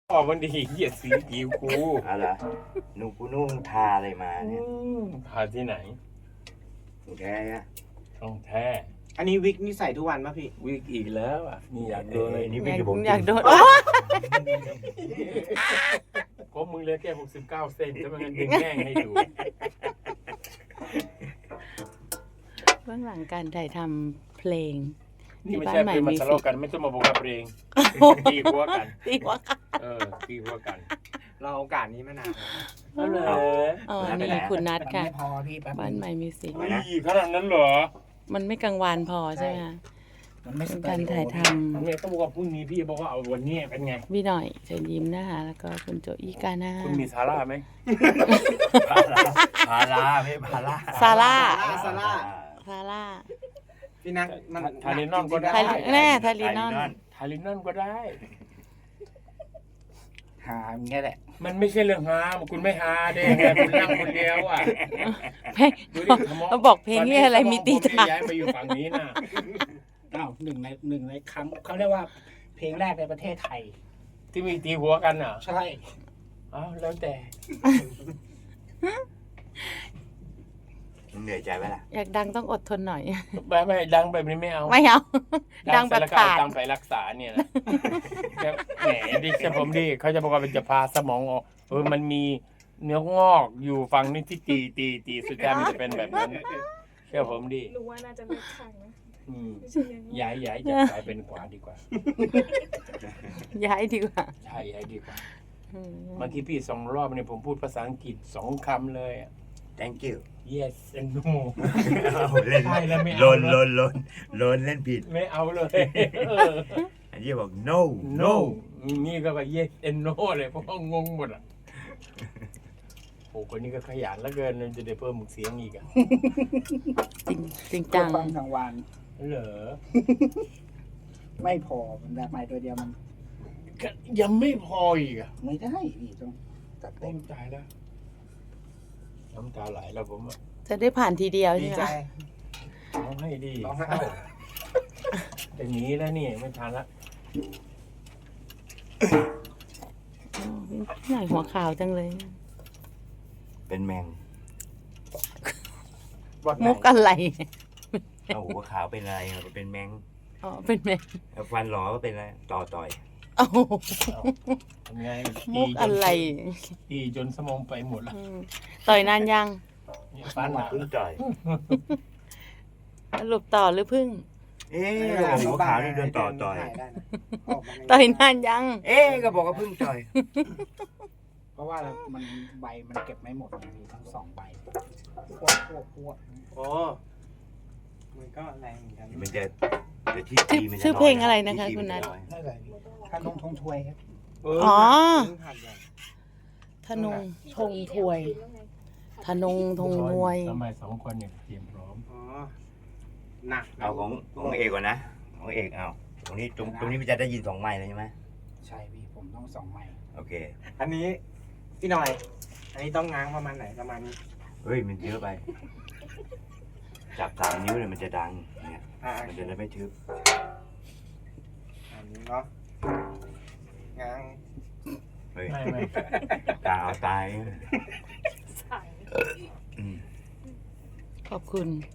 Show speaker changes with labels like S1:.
S1: ออกมันดีเหยียดสีผิวกู
S2: อะไรนุ่งกูนุ่งทาอะไรมาเนี่ย
S1: พาที่ไหน
S2: แท้อะ
S1: ต้องแท้
S3: อันนี้วิกนี่ใส่ทุกวันป่ะพี่
S1: วิกอีกแล้วอ่ะนี่อยากโดนเลย
S2: นี่
S1: นี่
S2: ไม่ได้ผม
S4: อยากโดน
S1: ก็มึงเหลือแค่69 เซนจะมันกันดึงแง่งให้ดู
S4: เบื้องหลังการถ่ายทำเพลง
S1: นี่ไม่ใช่เป็นมาทะเลาะกันไม่ต้องมาบอกกับเองตีหัวกัน
S4: ตีหัวกัน
S1: ตีหัวกัน
S3: เราโอกาสนี้มานานแล้ว
S1: เอาเลย
S4: อ๋อนี่คุณนัทค่ะ
S5: ไม่พอพี่แป๊บ
S4: บ้าน
S5: นึง
S4: ใหม่มิวสิก
S1: นี่ขนาดนั้นเหรอ
S4: มันไม่กังวานพอใช่ไหมคะ
S5: มันไม่
S4: เป็
S5: ส
S4: น
S5: เต
S4: การ
S5: อริโอ
S4: ถ่ายท
S1: เนี่ยต้องบอกว่าพรุ่งนี้พี่บอกว่าเอาวันนี้เป็นไง
S4: ำพี่หน่อยเชิญยิ้มนะคะแล้วก็คุณโจอี้กาน่า
S1: คุณมีซาร่าไหม
S2: พาราไม่พารา
S4: ซาร่า
S3: ซาร่า
S4: ซาร่า
S3: พี่นักมัน
S1: ทาลินอนก็ได้
S4: ไทยแน่ไทยลีนอน
S1: ทาลินอนก็ได้
S5: หาอย่างเงี้ยแหละ
S1: มันไม่ใช่เรื่องฮาคุณไม่ฮาเด้ไงคุณนั่งคนเดียวอ่ะ
S4: เพลง
S1: ดูดิสมง
S4: เขาบอกเพลงนี้อะไรมีตี
S1: ตา
S4: ตา
S1: ย้ายมาอยู่ฝั่งนี้นะ
S5: อ้าวหนึ่งในครั้งเขาเรียกว่าเพลงแรกในประเทศไทย
S1: ที่มีตีหัวกันอ่ะ
S5: ใช่
S1: อ้าวแล้วแต่
S2: เหนื่อยใจไหมล่ะ
S4: อยากดังต้องอดทนหน่อย
S1: ไม่ดังแบบนี้ไม่เอา
S4: ไม่เอา ดังแบบ
S1: แล้วก็เอา
S4: ขาด
S1: ตังค์ไปรักษาเนี่ยนะแหมดิเชื่อผมดิเขาจะบอกว่ามันจะพาสมองออกมันมีเนื้องอกอยู่ฝั่งนี้ที่ตีสุดท้ายมันจะเป็นแบบนั้นเชื่อผมดิ
S6: รู้ว่าน่าจะเลือกข้างนะ
S1: อืม
S6: ไม่ใช่เลี้ยงลูก
S1: ย้ายจะกลายเป็นขวาดีกว่า
S4: ย้ายดีกว่า
S1: ใช่ย้ายดีกว่า
S4: อืม
S1: เมื่อกี้พี่2 รอบเนี่ยผมพูดภาษาอังกฤษ2 คำเลยอะ
S2: thank you
S1: yes and no
S2: เล่น
S1: ใช่แล้วไม่เอา
S2: ลน
S1: แล้ว
S2: ลนเล่นผิด
S1: ไม่เอาเลยเออ
S2: อันนี้บอก no
S1: no นี่ก็แบบ yes and no เลยเพราะว่างงหมดอ่ะโอ้คนนี้ก็ขยันเหลือเกินมันจะได้เพิ่มเสียงอีกอ่ะ
S4: จริง
S5: เพื่
S4: จั
S5: อง ความทางวาน
S1: เหรอ
S5: ไม่พอมันแบบใหม่ตัวเดียวมัน
S1: ก็ยังไม่พออีกอ่ะ
S5: ไม่ได้พี่ต้องจัดเต็
S1: เต็
S5: ม
S1: มใจแล้วน้ำตาไหลแล้วผมอะ
S4: จะได้ผ่านทีเดียว
S3: ดี
S4: ใช่ไหม
S3: ใจ
S1: ร้องให้ดี
S3: ร้องให้
S1: เศร้าแต่หนี้แล้วนี่ไม่ทันละ
S4: อ๋อพี่หน่อยหัวขาวจังเลย
S2: เป็นแมง
S1: วัดไหน
S4: มุกอะไร
S2: เอาหัวขาวเป็นอะไรเป็นแมง
S4: อ๋อเป็นแม่
S2: ฟันหลอก็เป็นอะไรต่อย
S4: โอ้โห
S1: ทำไง
S4: มุกอะไร
S1: ตีจนสมองไปหมดละ
S4: อืมต่อยนานยัง
S1: เนี่ยฟันอะ
S2: เพิ่งต่อย
S4: สรุปต่อหรือพึ่ง
S2: เอ๊ะหัวขาวนี่โดนต่อย
S3: ได้นะออกมาใน
S4: ต่อยนานยัง
S2: เอ๊ะก็บอกว่าเพิ่งต่อย
S5: เพราะว่ามันใบมันเก็บไม่หมดมีทั้ง2 ใบพวก
S3: โอ้มันก็แรงเหมือนกัน
S2: มันจะที่ตีมันจะ
S4: ชื่อเพลงอะไรนะคะ
S2: ที่ตี
S4: คุณนัท
S2: มัจอย
S5: นั่นแหละถ้าลงทงทวยครับ
S4: อ๋อ
S3: เพิ่งผ่านไป
S4: ธนงธงถวยธนงธงนวย
S1: ทำไม2 คนเนี่ยเตรียมพร้อม
S3: อ๋อหนัก
S2: เอาของเอกก่อนนะของเอกเอาตรงนี้มันจะได้ยิน2 ไมค์เลยใช่ไหม
S5: ใช่พี่ผมต้อง2 ใบ
S2: โอเค
S3: อันนี้พี่หน่อย อันนี้ต้องง้างประมาณไหนประมาณนี้
S2: เฮ้ยมันเยอะไป จับ3 นิ้วเนี่ยมันจะดังเนี่ย
S3: อ่า
S2: มันจะได้ไม่ทึบ
S3: อันนี้เนาะง้าง
S2: เฮ้ย
S1: ไม่
S2: ตาเอาตาย
S6: สั่ง
S2: อืม
S4: ขอบคุณ